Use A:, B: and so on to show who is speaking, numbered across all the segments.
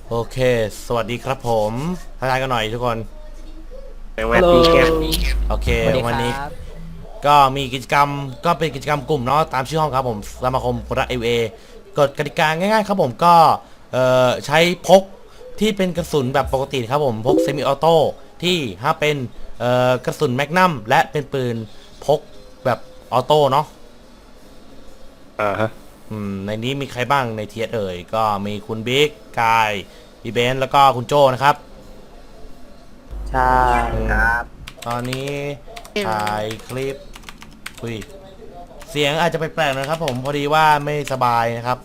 A: โอเคสวัสดีครับผมทักทายกันหน่อยทุกคน
B: สวัสดีครับ
A: โอเควันนี้ก็มีกิจกรรมก็เป็นกิจกรรมกลุ่มเนาะตามชื่อห้องครับผมสมาคมคนรัก LA กฎกติกาง่ายๆครับผมก็ใช้พกที่เป็นกระสุนแบบปกติครับผมพกเซมิออโต้ที่ถ้าเป็นกระสุนแมกนัมและเป็นปืนพกแบบออโต้เนาะ
B: ฮะ
A: ในนี้มีใครบ้างในเทียเอ่ยก็มีคุณบิ๊กกายพี่เบนซ์แล้วก็คุณโจนะครับ
B: ใช่ครับ
A: ตอนนี้ถ่ายคลิปคุยเสียงอาจจะแปลกๆนะครับผมพอดีว่าไม่สบายนะครับ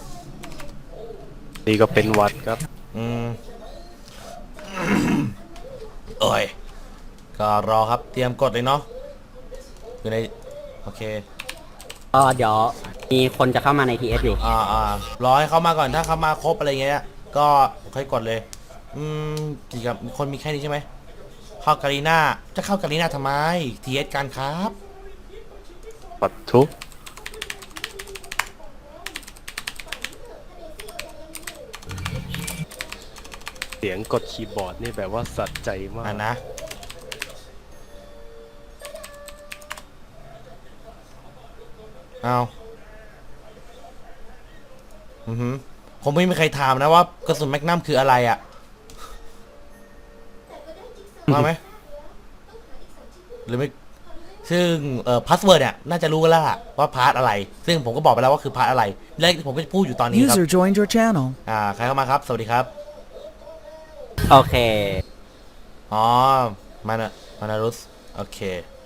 B: นี่ก็เป็นวัดครับ
A: อืม เอ้ยก็รอครับเตรียมกดเลยเนาะอยู่ในโอเค
C: เดี๋ยวมีคนจะเข้ามาใน TS อยู่
A: รอให้เขามาก่อนถ้าเขามาครบอะไรเงี้ยก็ค่อยกดเลยกี่กับคนมีแค่นี้ใช่ไหมเข้ากาลีน่าจะเข้ากาลีน่าทำไม TS กันครับ
B: ปัดทุกเสียงกดคีย์บอร์ดนี่แบบว่าสัใจมาก
A: นะเอาผมไม่มีใครถามนะว่ากระสุนแมกนัมคืออะไรอ่ะมาไหมหรือไม่ซึ่งพาสเวิร์ดเนี่ยน่าจะรู้กันแล้วว่าพาร์ทอะไรซึ่งผมก็บอกไปแล้วว่าคือพาร์ทอะไรและผมก็จะพูดอยู่ตอนนี้ครับ
D: User joined your channel
A: ใครเข้ามาครับสวัสดีครับ
C: โอเค
A: อ๋อมานารุสโอเค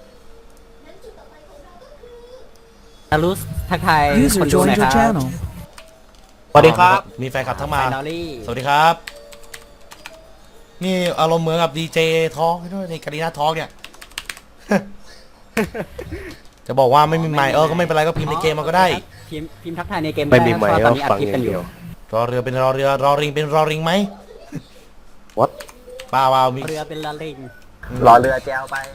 C: นารุสทักทาย
D: User
C: คนดูหน่อ
D: joined
C: ย
D: your
C: ครับ
D: channel
B: สวัสดีครับ
A: มีแฟนคลับทั้งมา
C: Finally
A: สวัสดีครับนี่อารมณ์เหมือนกับดีเจทอล์กด้วยในการีนาทอล์กเนี่ย จะบอกว่าไม่มีไมค์ก็ไม่เป็นไรก็พิมพ์ในเกมมาก็ได้
C: พิมพ์ทักทายในเกม
B: ไม่มีไมค์
C: ตอนนี้อัด
B: ฟัง
C: คลิป
B: อ
C: กั
B: ย่าน ง
C: อ
B: เดี
C: ยู่
B: ยว
A: รอเรือเป็นรอเรือรอริงเป็นรอริงไหม
B: What
A: เปล่ามี
C: เรือเป็นละลิง
B: รอเรือแจวไป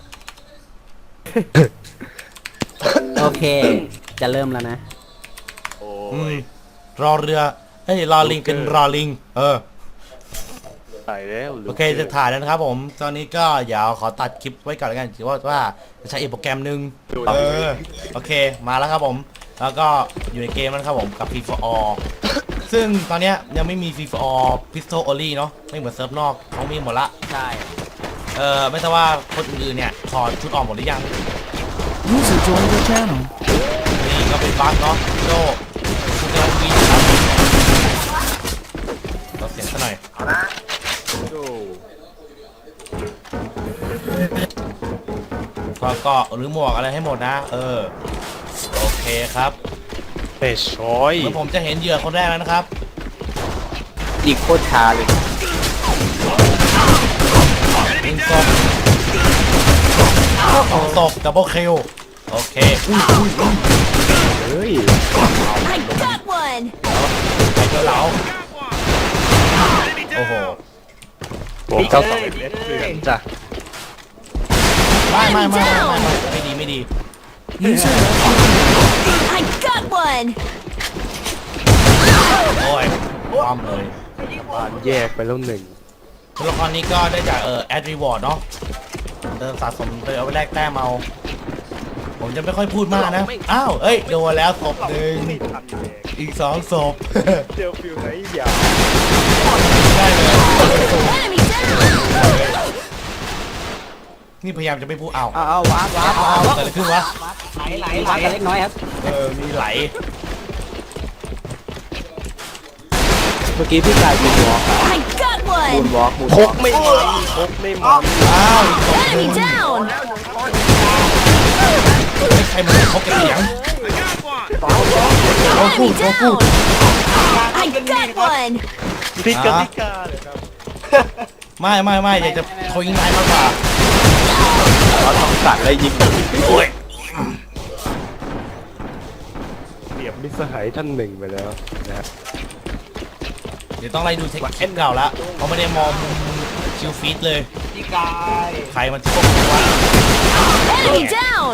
C: โอเค จะเริ่มแล้วนะ
B: โอ้
A: รอเรือเฮ้ยรอลิงเป็นรอลิง
B: ตายแล้ว
A: โอเคจะถ่ายแล้วนะครับผมตอนนี้ก็เดี๋ยวขอตัดคลิปไว้ก่อนแล้วกันถือว่าจะใช้อีกโปรแกรมหนึ่งโอเคมาแล้วครับผมแล้วก็อยู่ในเกมแล้วครับผมกับ Free for All ซึ่งตอนเนี้ยยังไม่มี Free for All Pistol Only เนาะไม่เหมือนเซิร์ฟนอกเขามีหมดละ
C: ใช่
A: ไม่ทราบว่าคนอื่นๆเนี่ยถอดชุดออกหมดหรือยัง
D: User joined your channel
A: นี่ก็เป็นบั๊กเนาะโจคุณกำลังกินครับเราเสียงซะหน่อยก็หรือหมวกอะไรให้หมดนะโอเคครับ
B: เฮ้ยชอย
A: เมื่อผมจะเห็นเหยื่อคนแรกแล้วนะครับ
B: อีกโคตรช้าเลย
A: ยิงศพ2 ศพดับเบิลคิลโอเค
B: เฮ้ย
E: I got one
A: ไปเจอเหลาโอ้โห
B: ผมเจ้าสองเอฟเพื่อนจ้ะ
A: ไม่ดี
D: User
E: I got one
A: โอ้ยป้อมเลย
B: บ้านแยกไปแล้วหนึ่ง
A: ตัวละครนี้ก็ได้จากแอดรีวอร์ดเนาะเดินสะสมไปเอาไปแลกแต้มเอาผมจะไม่ค่อยพูดมากนะอ้าวโดนแล้วศพหนึ่งอีก2 ศพ
B: เจลฟิลไหนอย่า
A: ได้เลย
E: enemy down
A: นี่พยายามจะไม่พูดเอา
C: ว้าว
A: เกิดอะไรขึ้นวะ
C: ไหลกันเล็กน้อยครับ
A: มีไหล
B: เมื่อกี้พี่กายบูนวอล์ก
E: I got one
B: พกไม่มันพกไม่มัน
A: อ้าวอีกศพหนึ่
E: enemy
A: ง
E: down
A: ใครมันเขาเก็บเสียง
E: enemy down I got one
B: พิกาพิกาเลยครับ
A: ไม่อยากจะโทรยิงนายมากกว่า
B: เราต้องสั่งแล้วยิง
A: โอ้ย
B: เปรียบมิตรสหายท่านหนึ่งไปแล้วนะฮะ
A: เดี๋ยวต้องไล่ดูเทคนิคเก่าละเขาไม่ได้มองชิลฟีดเลยใครมันจะพวกนี้วะ
E: enemy down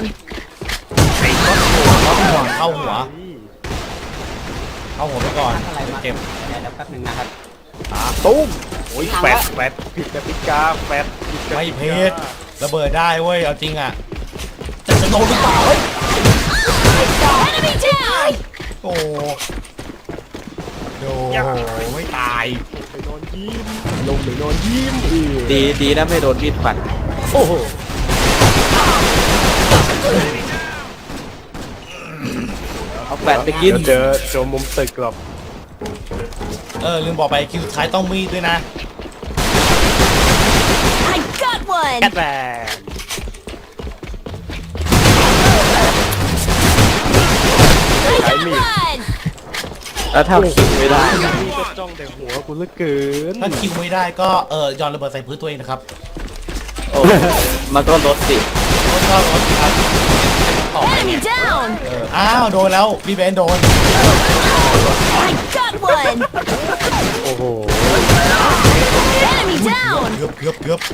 A: เข้าหัวไปก่อน
C: อะไรมา
A: เจ็บ
C: เดี๋ยวแป๊บนึงนะครับ
B: ตุ้มโอ้ยแฟดผิดกติกาแฟดผิดกติกา
A: ไม่เพชรระเบิดได้เว้ยเอาจริงอ่ะแต่จะโดนหรือเปล่าเฮ้ย
E: Enemy down!
A: โอ้โดไม่ตาย
B: ไปนอนยิ้มลงไปนอนยิ้ม
F: ดีนะไม่โดนมีดฟัน
B: โอ้โห
F: เอาแฟนไปกิน
B: เดี๋ยวเจอมุมตึกหรอก
A: ลืมบอกไปคิวสุดท้ายต้องมีดด้วยนะ
E: I got one!
B: แอดแวน
E: I got one!
F: แล้วถ้าคิวไม่ได้
B: นี่ก็จ้องแต่หัวกูเหลือเกิน
A: ถ้าคิวไม่ได้ก็ย้อนระเบิดใส่พื้นตัวเองนะครับ
F: โอ้มันก็ลดสิ
A: รถก็รถครับต่อไป
E: Enemy down!
A: อ้าวโดนแล้วพี่เบนโดน
E: I got one!
B: โอ้โห
E: Enemy down!
A: เกือบ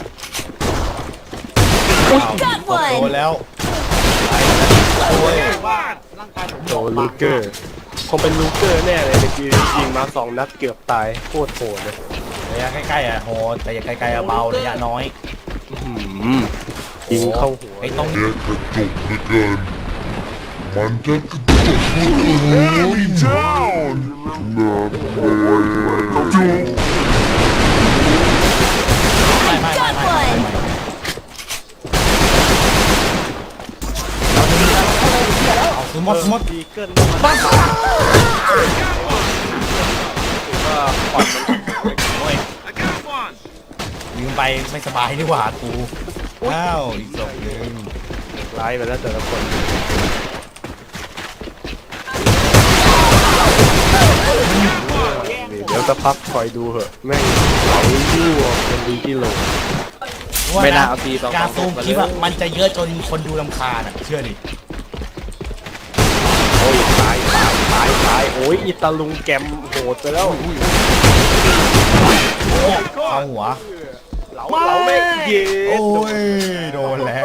E: I got
A: โดน
E: one!
A: แล้วโอ้ย
B: โดนลูเกอร์คงเป็นลูเกอร์แน่เลยเมื่อกี้ยิงมา2 นัดเกือบตายโคตรโหดเลย
A: ระยะใกล้ๆโหดแต่อย่าไกลๆเบาระยะน้อย
B: ยิงเข้าหัว
A: ไอ้ต้อง
G: กระจุกเหลือเกินมันจะกระจุกเหลือเกินน่ากลัวจุก
E: I got one!
A: เอาคือหมด
B: ดีเกินบ้าว่าปอดมัน
A: โอ้ยลืมไปไม่สบายนี่หว่ากูอ้าวอีกศพหนึ่ง
B: ร้ายไปแล้วแต่ละคนเดี๋ยวจะพักคอยดูเหอะแม่งเอายู่เป็นดีที่ลง
F: ไม่น่าเอาทีสอง
A: การซูม
F: มา
A: คลิป
F: เล
A: อะ
F: ย
A: มันจะเยอะจนคนดูรำคาญอะเชื่อดิ
B: โอ้ยตายโอ้ยอิตาลุงแกมโหดไปแล้ว
A: เข้าหัว
B: เราไม่เย็
A: โอ้
B: น
A: ยโดนแล้ว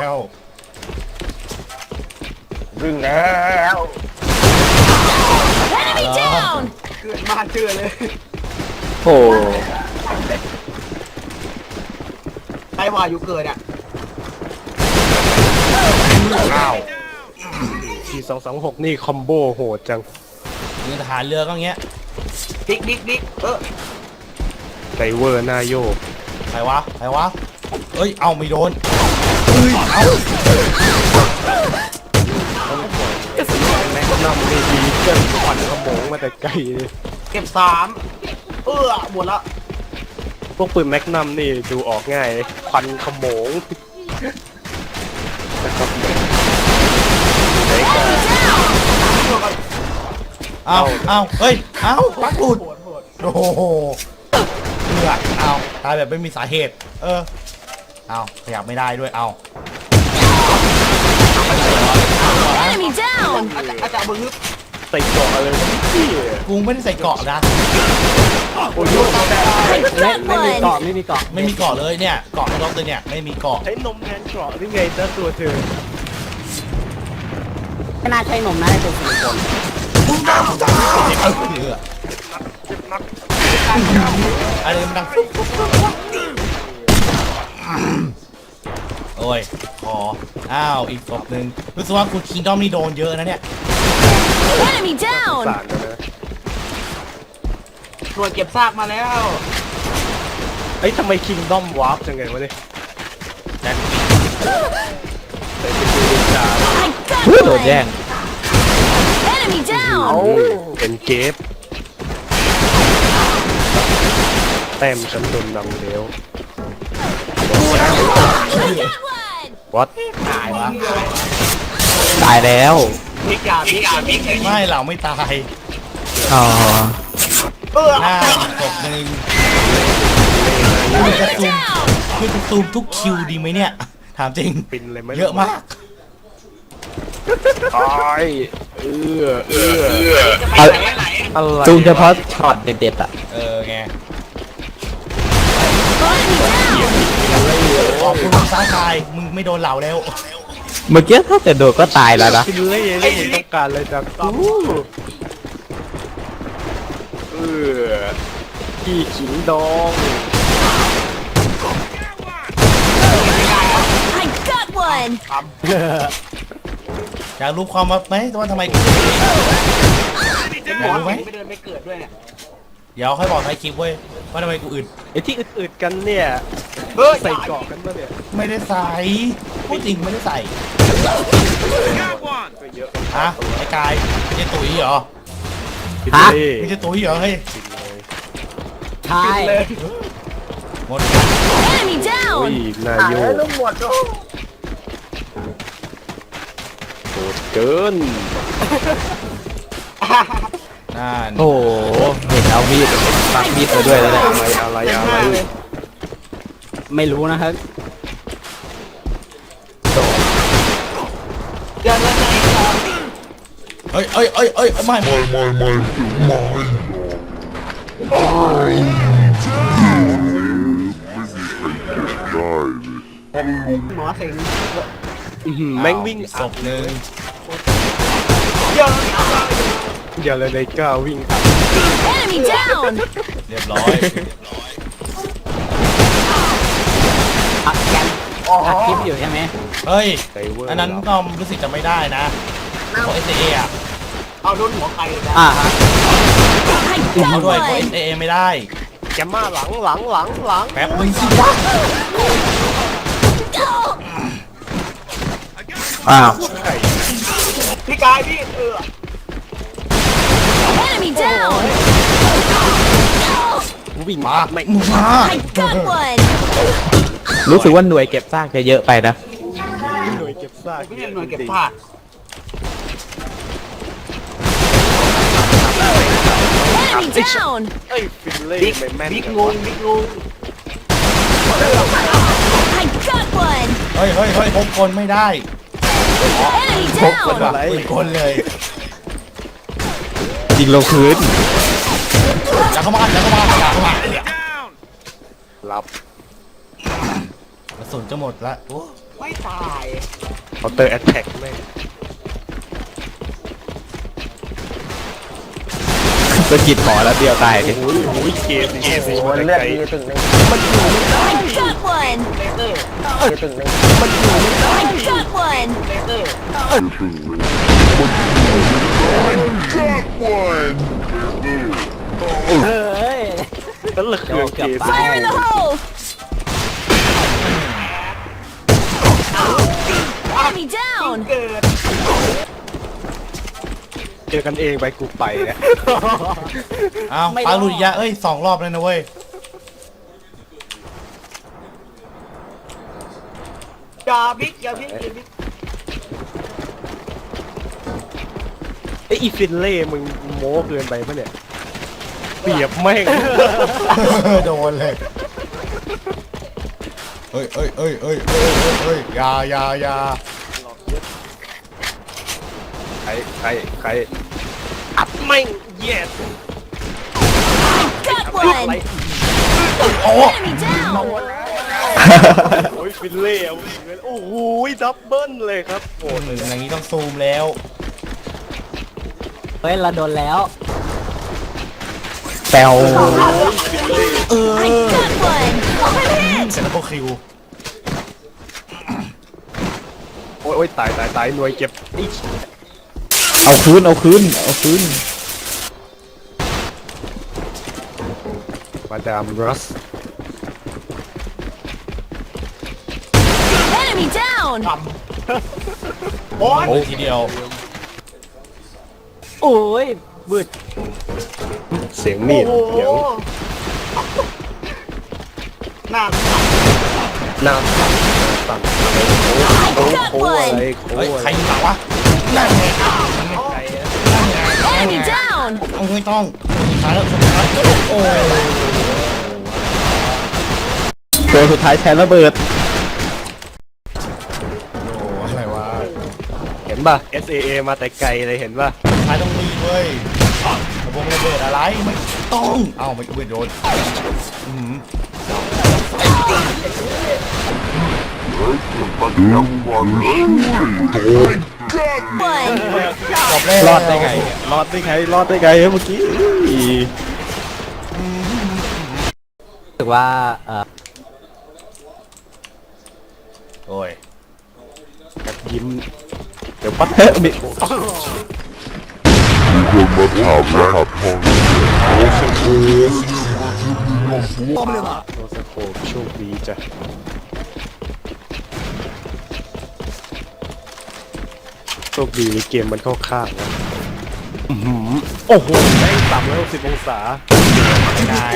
B: ดึงแล้ว
E: Enemy down!
F: โอ้
H: ไอ้ว่าอยู่เกิดอ่ะ
A: อ้าว
B: ที226นี่คอมโบโหดจัง
A: มีทหารเรือก็อย่างเงี้ย
H: ดิก
B: ไดเวอร์หน้าโยก
A: ใครวะเอ้ยเอาไม่โดนเอ้ยเอา
B: แม็กนัมนี่ดีเกินขวัญขโมงมาแต่ไกลเลย
H: เก็บ3หมดละ
B: พวกปืนแม็กนัมนี่ดูออกง่ายควันขโมงนะครับไหนกัน
A: เอาเฮ้ยเอาปักหลุดโอ้โหเลือดเอาตายแบบไม่มีสาเหตุเอาขยับไม่ได้ด้วยเอา
E: Enemy down!
H: อาจารย์บึงนึก
B: ใส่เกาะอะไรวะพี่
A: กูไม่ได้ใส่เกราะนะ
B: โอ้ย
E: I
C: ไม่
E: got
C: มีเกาะ
E: one!
C: ไม่มีเกาะ
A: ไม่มีเกราะเลยเนี่ยเกราะในรถเลยเนี่ยไม่มีเกราะ
B: ใช้นมแทนเกาะได้ไงจ้าตัวเธอ
C: ไม่น่าใช่นมนะไอ้ตัวซิลิโคน
A: อะไรมันดังโอ้ยขออ้าวอีกศพหนึ่งรู้สึกว่าคุณคิงดอมนี่โดนเยอะนะเนี่ย
E: Enemy down!
B: สารกันนะ
H: ตรวจเก็บซากมาแล้ว
B: เอ้ยทำไมคิงดอมวาร์ปจังไงวะเนี่ยแต่เป็นดูดิจา
E: I got
F: โดนแย่ง
E: one! Enemy down!
B: เป็นเกฟแต้มฉันโดนนำแล้ว
E: I got one!
B: วัด
A: ตายวะ
F: ตายแล้ว
H: มิกเลย
A: ไม่เราไม่ตาย
F: อ๋อ
A: หน้าอีกศพหนึ่งคุณจะซูม
E: Down!
A: คุณจะซูมทุกคิวดีไหมเนี่ยถามจริง
B: ปินเลยไหม
A: เยอะมาก
B: ตายอะไร
F: จูงเฉพาะช็อตเด็ดๆอ่ะ
A: ไง
E: Enemy down!
A: ขอบคุณซ้ายตายมึงไม่โดนเหล่าแล้ว
F: เมื่อกี้ถ้าแต่โดดก็ตายแล้วนะ
B: กินเล่ไม่ต้องการเลยจังกูพี่ขิงดอง
E: I got one.
A: อยากรู้ความลับไหมว่าทำไมกูอยากรู้ไหม
H: ไม่เดินไม่เกิดด้วยเนี่ย
A: เดี๋ยวค่อยบอกท้ายคลิปเว้ยว่าทำไมกูอึด
B: ไอ้ที่อึดๆกันเนี่ย
H: เฮ้ย
B: ใส่เกราะกันปะเนี่ย
A: ไม่ได้ใส่พูดจริงไม่ได้ใส่
B: ก็เยอะ
A: ฮะไอ้กายไม่ใช่ตุ๋ยเหรอ
C: ฮะ
A: ไม่ใช่ตุ๋ยเหรอเฮ้ย
C: ใช่
A: หมดกัน
E: Enemy
B: โอ้ย
E: down.
B: นายโยโหดเกิน
A: นั่น
F: โอ้โหเห็นเอามีดปักมีดไปด้วยแล้วเนี่ย
B: อะไร
C: ไม่รู้นะครับ
H: เดินแล้วไงครับ
A: เอ้ยไม่
G: ไม่ไม่ไม่ไม่
H: หมอสิง
B: แม่งวิ่ง
A: ศพหนึ่ง
H: เดี๋ยว
B: เดี๋ยวเลยในก้าววิ่ง
E: Enemy down.
A: เรียบร้อย
C: อัดแกนอัดคลิปอยู่ใช่ไหม
A: เฮ้ย
B: ไซเวอร์
A: อันนั้นก็รู้สึกจะไม่ได้นะของ SAA อ่ะ
H: เอาโดนหัวใครเลยนะ
C: ฮะ
E: I
A: เอา
E: got
A: ด้วยของ
E: one.
A: SAA ไม่ได้
B: แกมมาหลัง
A: แป๊บนึงสิวะ
F: อ้าว
H: พี่กายพี่
E: Enemy down.
B: วิ่ง
A: มา
B: ไม่
A: มึงมา
E: I got one.
F: รู้สึกว่าหน่วยเก็บซากจะเยอะไปนะ
B: หน่วยเก็บซาก
H: พี่หน่วยเก็บผ้า
E: Enemy down.
B: เอ้ยฟินเล่
H: บิ๊ก
B: ไม่แม่น
H: บิ๊ก
B: จั
H: ง
B: วะ
H: งบิ๊กงง
E: I got one.
A: เฮ้ยพกคนไม่ได้
E: Enemy
A: พกคน
E: down.
A: ว่ะปืนคนเลย
F: ยิงลงพื้น
A: อย่าเข้ามาอย่าเข้ามา
B: รับ
A: กระสุนจะหมดละโอ้
H: ไม่ตาย
B: เคาน์เตอร์แอตแทกแม่ง
F: สะกิดหมอแล้วเดียวตายดิ
B: โอ้ยเกมมันเลือดดีตึง
E: I got one.
H: เลเตอร์
E: I got one.
H: เลเตอร์
C: เฮ้ย
B: นั่นแหละคือเกม
E: Fire in the hole. Enemy down.
H: เกิด
B: เจอกันเองไปกูไปเนี่ย
A: อ้าวปลาหลุดยะเอ้ย2 รอบเลยนะเว้ย
H: อย่าบิ๊กอย่าบิ๊กอย่าบิ๊ก
B: ไอ้อีฟินเล่มึงโม้เกินไปปะเนี่ยเปรียบแม่ง
A: โดนเลยเฮ้ยอย่า
B: ใครอัดแม่งเย็ด
E: Got
B: อะไร
E: one.
A: โอ้
E: Enemy down.
B: โอ้ยฟินเล่เอาโอ้โหดับเบิ้ลเลยครับโอ้
A: อย่างนี้ต้องซูมแล้ว
C: เฮ้ยเราโดนแล้ว
F: แปว
E: I got one. Overhit.
A: เสร็จแล้วก็คิว
B: โอ้ยตายหน่วยเก็บไอ้
F: เอาคืน
B: มาดามรัส
E: Enemy down.
H: โอ้ย
A: โอ้ทีเดียว
C: โอ้ยบืด
B: เสียงมีด
H: โอ้โห
B: เสียง
H: หน้า
B: น้ำสั่นโค้งอะไรโค้ง
A: เฮ้ย
B: อะ
A: ใคร
B: ไร
A: ยิงหลังวะนั่นไง
E: Enemy down.
A: ไม่ต้องสุดท้ายแล้วโอ้
F: ตัวสุดท้ายแทนระเบิด
A: อะไรวะ
B: เห็นป่ะ SAA มาแต่ไกลเลยเห็นป่ะ
A: ท้ายต้องมีเว้ยระบบระเบิดอะไรไม่ต้องเอ้าไม่โดน
E: One.
A: จบแล้ว
F: รอดได้ไงเมื่อกี้
C: สึกว่า
A: โอ้ย
B: แบบยิ้มเดี๋ยวปั๊บมี
G: มีคนมาถามรหัสห้องโอ้สโคป
B: โนสโคปโชคดีจ้ะโชคดีเกมมันเข้าข้างนะโอ้โหแม่ง360องศา
A: ไหน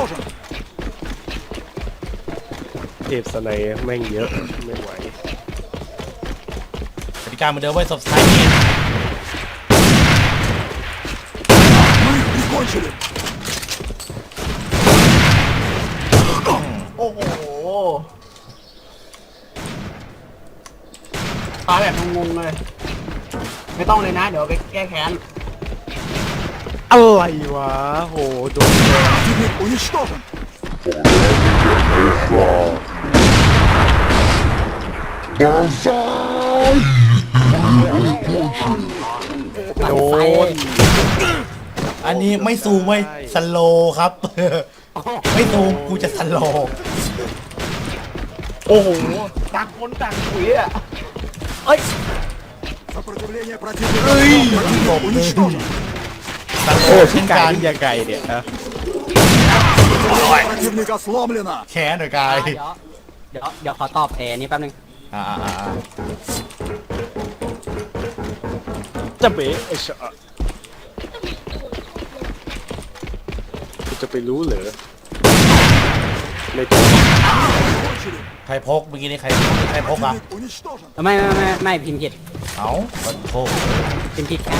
B: เทพสไนยแม่งเยอะไม่ไหว
A: กติกาเหมือนเดิมไว้สบท้ายนี่
H: โอ้โหตายแบบงงๆเลย ไม่ต้องเลยนะ เดี๋ยวไปแก้แค้น
B: อะไรวะโหโดนแกง
G: บางซ้าย
B: โดน
A: อันนี้ไม่ซูมไว้สโลว์ครับ ไม่ซูมกูจะสโลว์
H: โอ้โหต่างคนต่างคุยอ่ะ
A: หลบเลยสโล
F: โอ้
A: ว์
F: ชิ้
A: เช่
F: น
A: น
F: ไก่
A: กัน
F: นี่ยังไงเนี่ยนะ
A: แค้นหน่อยกาย
C: เดี๋ยวขอตอบนี่แป๊บนึง
A: อ่า
B: จะเบะไอ้ชะกูจะไปรู้เหรอไม่ต้อง
A: ใครพกเมื่อกี้นี่ใครพกอ่ะ
C: ไม่พิมพ์ผิด
A: เอ้าขอโทษ
C: พิมพ์ผิดแค่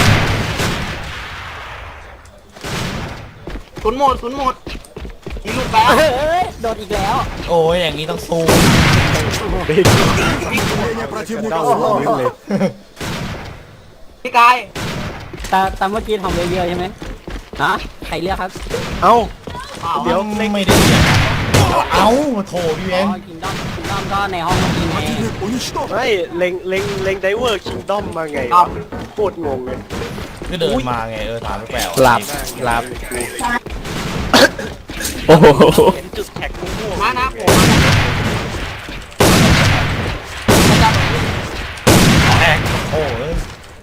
H: ศูนย์หมดมีลูกแล้ว
C: เฮ้ยโดนอีกแล้ว
A: โอ้ยอย่างนี้ต้องซูม
B: เบะเดาพื้นเลย
H: พี่กาย
C: แต่เมื่อกี้ทำเยอะๆใช่ไหมฮะใครเลือกครับ
B: เอ้า
A: เดี๋ยวไม่ได้เรียนเอ้าโถพี่เอ็น
C: คิงดอมก็ในห้องเมื่อกี้ไง
B: ไม่เล็งไดเวอร์คิงดอมมาไงวะโคตรงงเลย
A: ก็เดินมาไงถามแปลก
F: หลับหลับโอ้โห
B: เห็นจุดแท็กม่วง
H: มานะผม
A: แอกโอ้ย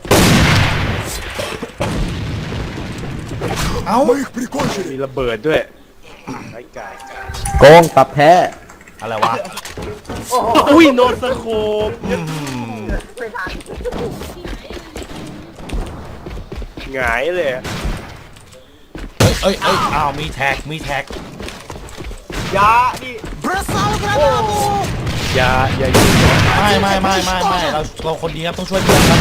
A: เอ้า
B: มีระเบิดด้วยไอ้ไก่
F: โกงตับแพ้
A: อะไรวะ
B: อุ้ยโนสโคป
A: อืม
B: หงายเลยอะ
A: เอ้ยอ้าวมีแท็ก
H: ยาดิ
B: อย่ายิง
A: ไม่เราคนดีครับต้องช่วยเพื่อนครับ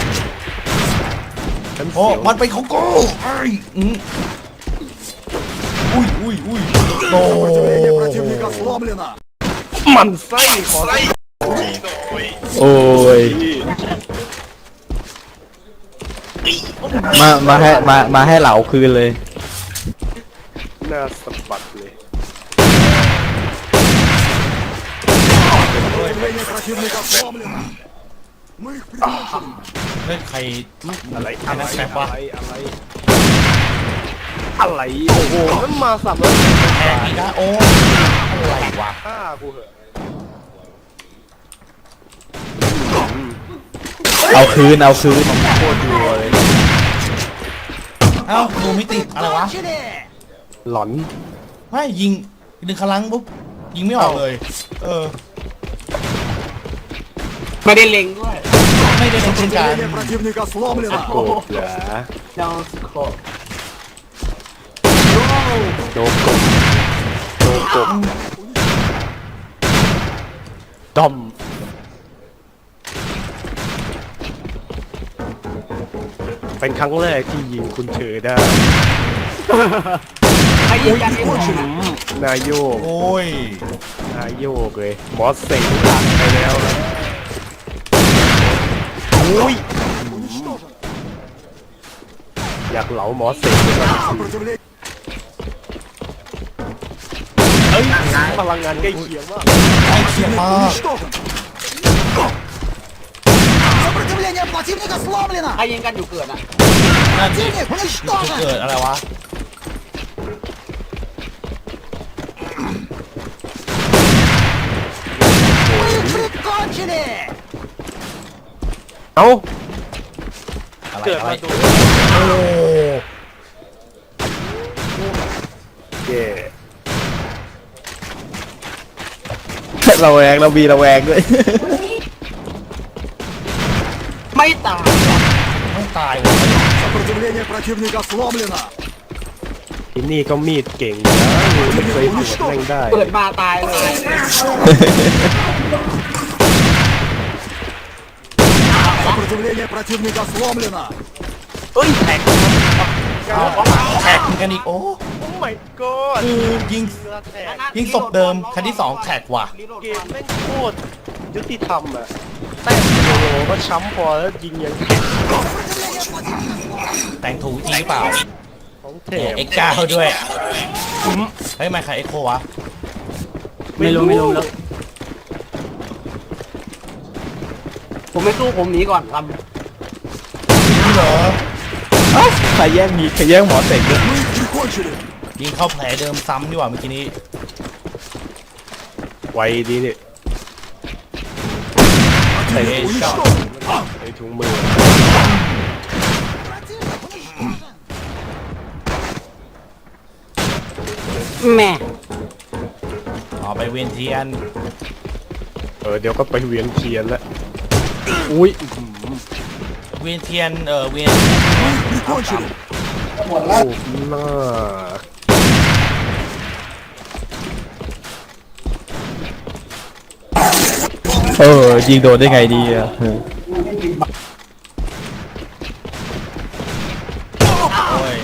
B: ฉัน
A: โอ้
B: เสียว
A: มันเป็นของกูไอ้อุ้ยโต
B: มันไส้ขอไส้
F: โอ้ยมาให้เหลาคืนเลย
B: หน้าสะบัดเลย
A: เฮ้ยใคร
B: อะไร
A: ใครนักแสดงวะ
B: อะไรโอ้โหมันมาสับแล้ว
A: แท็กอีกนะโอ้อะไรวะ
B: ฆ่ากูเหอะ
F: เอาคืน
B: โคตรรัวเลย
A: เอ้าดูไม่ติดอะไรวะ
B: หลอน
A: ไม่ยิงดึงคลังปุ๊บยิงไม่ออกเลย
H: ไม่ได้เล็งด้วย
A: ไม่ได้เป็นเช่นกัน
B: โกบเหรอ
H: ดาวสโคป
B: โดกบดอมเป็นครั้งแรกที่ยิงคุณเธอได้
H: ใครยิงกันเอง
B: นายโยก
A: โอ้ย
B: นายโยกเลยหมอเสงหลังไปแล้วนะอุ้ยอยากเหลาหมอเสงเลยนะเอ้ยพลังงานใกล้เคียงมาก
A: ใกล้เคียงมาก
H: ใครยิงกันอยู่เกิดอ่ะ
A: นั่นสิจะเกิดอะไรวะ
B: เอ้า
A: อะไร
B: เกิด
A: อะไร
B: มาดู
A: โอ้
B: เย่
F: เราแวงเรามีระแวงด้วย
H: ไม่ตาย
A: ต้องตายว่ะ
D: Сопротивление противника сломлено.
B: ที่นี่ก็มีดเก่งนะไม่เคยปวดแม่งได้
H: เปิดมาตายเลย
D: Сопротивление противника сломлено.
B: เอ้ยแท็ก
A: แท็กกันอีกโอ้
B: โอ้ my god
A: คือยิง
B: แท็ก
A: ยิงศพเดิมคันที่2แท็กว่ะ
B: เกมแม่งโคตรยุติธรรมอะแต้มโลก็ช้ำพอแล้วยิงยังแท็ก
A: แต่งถูกจริงหรือเปล่า
B: ของแถ
A: เนี่ย
B: ม
A: เอ็กซ์ก้าด้วยเฮ้ยไม่ใครเอ็กโควะ
C: ไม่รู้ไม่รู้
H: ผมไม่สู้ผมหนีก่อนครับ
A: นี่เหรอ
F: ใครแย่งมีใครแย่งหมอเสกด้วย
D: Мы их прикончили.
A: ยิงเข้าแผลเดิมซ้ำดีกว่าเมื่อกี้นี้
B: ไวดีนี่
A: เตะช็อต
B: ไอ้ถุงมือ
C: แม่
A: อ๋อไปเวียนเทียน
B: เดี๋ยวก็ไปเวียนเทียนแล้วอุ้ย
A: เวียนเทียนเวียน
D: Прикончили.
B: โอ้หน้า
F: ยิงโดนได้ไงดีอ่ะ
A: โอ้ย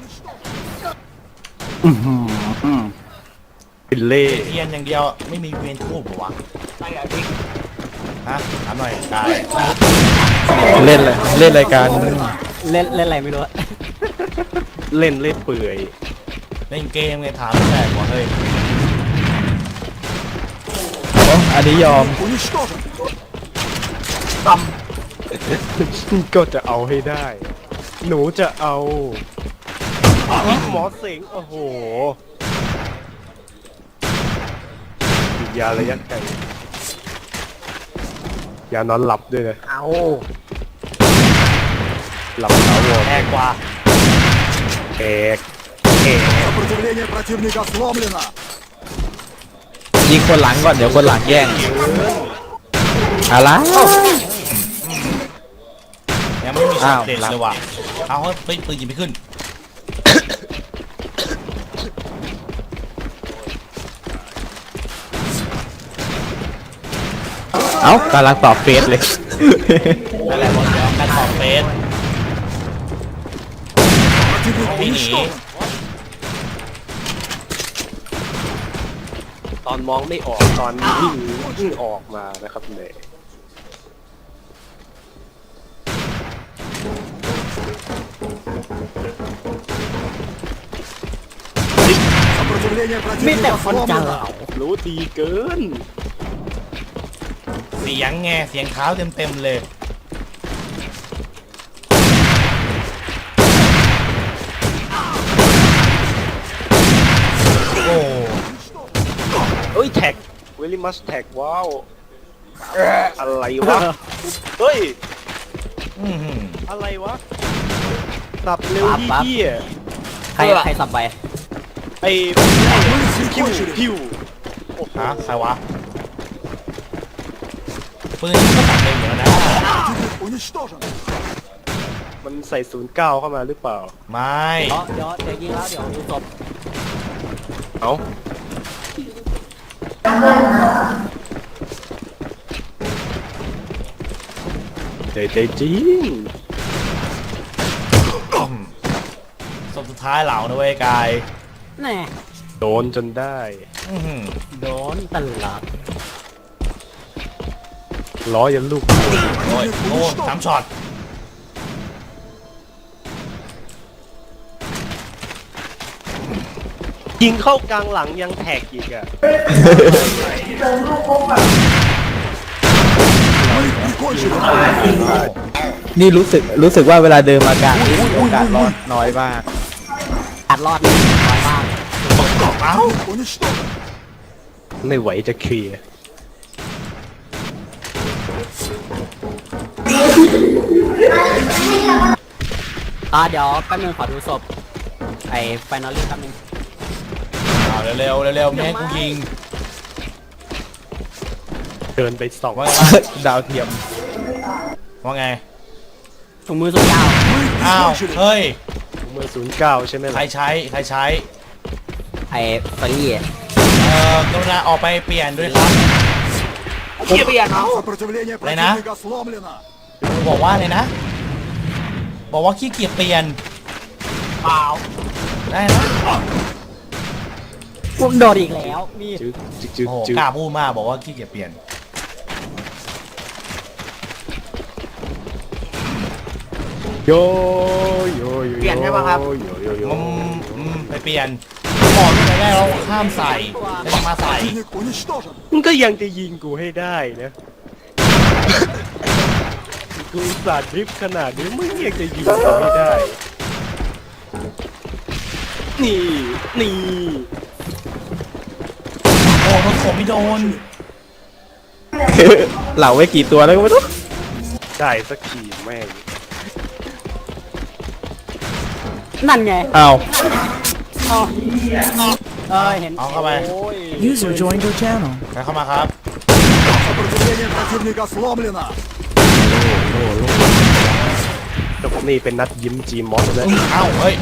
B: เป็นเล่
A: เทียนอย่างเดียวไม่มีเวียนทูบเหรอวะ
H: ไปอ่ะพี่
A: ฮะถามหน่อยกาย
F: เล่นเลยเล่นรายการ
C: เล่นอะไรไม่รู้อะ
B: เล่นเล่นเปื่อย
A: เล่นเกมไงถามแปลกว่ะเฮ้ย
F: อันนี้ยอม
D: Уничтожен.
B: ก็จะเอาให้ได้ หนูจะเอาหมอเสงโอ้โหฉีดยาระยะไกลยานอนหลับด้วยนะ
C: เอา
B: หลับถาวร
A: แพงกว่า
B: แอกแอก
D: Сопротивление противника сломлено.
F: ยิงคนหลังก่อนเดี๋ยวคนหลังแย่งอะไร
A: ยังไม่มีช็อ
F: อ้า
A: ต
F: ว
A: เด็ดเลยว่ะเอาเฮ้ยปืนยิงไม่ขึ้น
F: เอ้ากำลังตอบเฟซเลย
A: อะไรวะเดี๋ยวการตอบเฟส
D: Противник
A: พี่หนี
D: уничтожен.
B: ตอนมองไม่ออกตอนวิ่งออกมานะครับเนี่ย
D: Сопротивление
C: มีแต่
D: противника
C: คนจะเห
D: сломлено.
C: ลา
B: รู้ดีเกิน
A: เสียงไงเสียงเท้าเต็มเลยโอ้
B: เอ้ยแท็กเวลิมัสแท็กว้าวอะไรวะ เฮ้ย
A: อื้อหือ
B: อะไรวะสับเร็วที่เหี้ย
C: ใครสับไป
B: ไอ้พิวพิวโอ้โห
A: ฮะใครวะปืนนี่ก็ตัดเร็วอยู่แล้วนะ
D: Противник уничтожен.
B: มันใส่09เข้ามาหรือเปล่า
A: ไม่
C: เดี๋ยวยิงแล้วเดี๋ยวดูศพ
B: เอ้าใจจริง
A: ศพสุดท้ายเหล่านะเว้ยกาย
C: แน่
B: โดนจนได้
A: อื้อหือ
C: โดนตลอด
B: ล้อยันลูก
A: โอ้ยโอ้สามช็อต
B: ยิงเข้ากลางหลังยังแท็กอีกอ่ะ
D: Мы их прикончили.
F: นี่รู้สึกว่าเวลาเดินมากลางนี่โอกาสรอดน้อยมาก
C: อัดรอดนี่น้อยมาก
A: เอ้า
D: Уничтожен.
B: ไม่ไหวจะเคลียร์
C: เดี๋ยวแป๊บนึงขอดูศพไอ้ไฟนอลลี่แป๊บนึง
A: เร็วเร็วแม่ให้กูยิง
B: เดินไปส่อง
A: ว่า
F: ดาวเทียม
A: ว่าไง
C: ถุงมือสุดยาว
A: อ้าวเฮ้ย
B: เมื่อ09ใช่ไหม
A: ใคร
B: ล่ะ
A: ใช้
C: ไอ้เฟอร์รี่
A: กรุณาออกไปเปลี่ยนด้วยครับ
D: Сопротивление
A: Лена?
D: противника сломлено.
A: บอกว่าไงนะ บอกว่าขี้เกียจเปลี่ยนเปล่าได้นะ
C: พวกโดดอีกแล้วมี
B: จึ๊กจึ๊กจึ๊ก
A: โอ้โห
B: จึ๊ก
A: กล้าพูดมากบอกว่าขี้เกียจเปลี่ยน
B: โยโยโย
H: เปลี่ยนใช่ปะครับ
B: โยโยโย
A: ไปเปลี่ยนบอกตั้งแต่แรกเราห้ามใส่แล้วยังมาใส่
D: Противник уничтожен.
B: มึงก็ยังจะยิงกูให้ได้นะ กูอุตสาดดริฟต์ขนาดนี้มึงยังจะยิงกูไม่ได้ นี่ นี่
A: โอ้รถผมไม่โดน
F: เหล่าไว้กี่ตัวแล้วก็ไม่รู้
B: ได้สักทีแม่ง
C: นั่นไง
F: อ้าว
C: เห็น
A: เอาเข้าไป
B: โอ้ย
I: User joined your channel.
A: ใครเข้ามาครับ
D: Сопротивление противника сломлено.
B: แต่ผมนี่เป็นนัดยิ้มจีมอสเลย
A: เอ้าเฮ้ย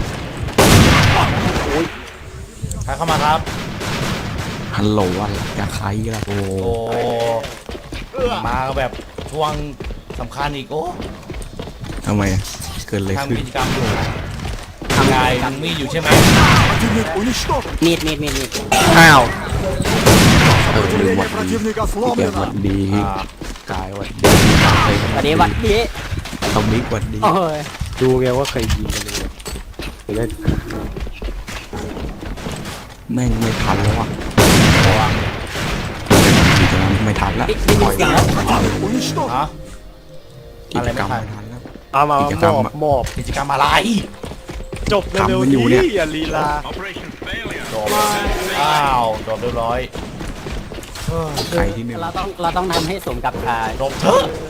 A: ใครเข้ามาครับ
F: ฮัลโหลอะไรจะใครล่ะโอ้
A: โอ้มาแบบช่วงสำคัญอีกโอ้
F: ทำไมเกิดอะไรขึ้น
A: ทำกิจกรรมอยู่ทำไงมึงมีอยู่ใช่ไหม
D: Противник уничтожен.
C: มีด
F: อ้าว
D: Сопротивление противника
F: แกวั
D: сломлено.
F: นดี
A: อ่าก
F: ายวันดี
C: วันนี้วันนี้
F: ต้องมิกวันดี
C: โอ้ย
B: ดูไงว่าใครยิงกันเลยเล่น
F: แม่งไม่ทันแล้วอ่ะไม่ทันแล้วปล่อยแล้ว
D: Уничтожен.
A: ฮะ
F: กิจกรรมไม่ทันแล้ว
B: เอามา
F: กิจกรรม
B: มอบ
F: อะ
B: มอบ
A: กิจกรรมอะไร
B: จบเร็ว
F: ทำมัน
B: ๆ
F: อยู่เนี่ย
B: นี้อย่าลีลา
A: จบอ้าวจบเรียบร้อย
F: ใครที่หนึ่ง
C: เราต้องทำให้สมกับ
A: จบเถอะ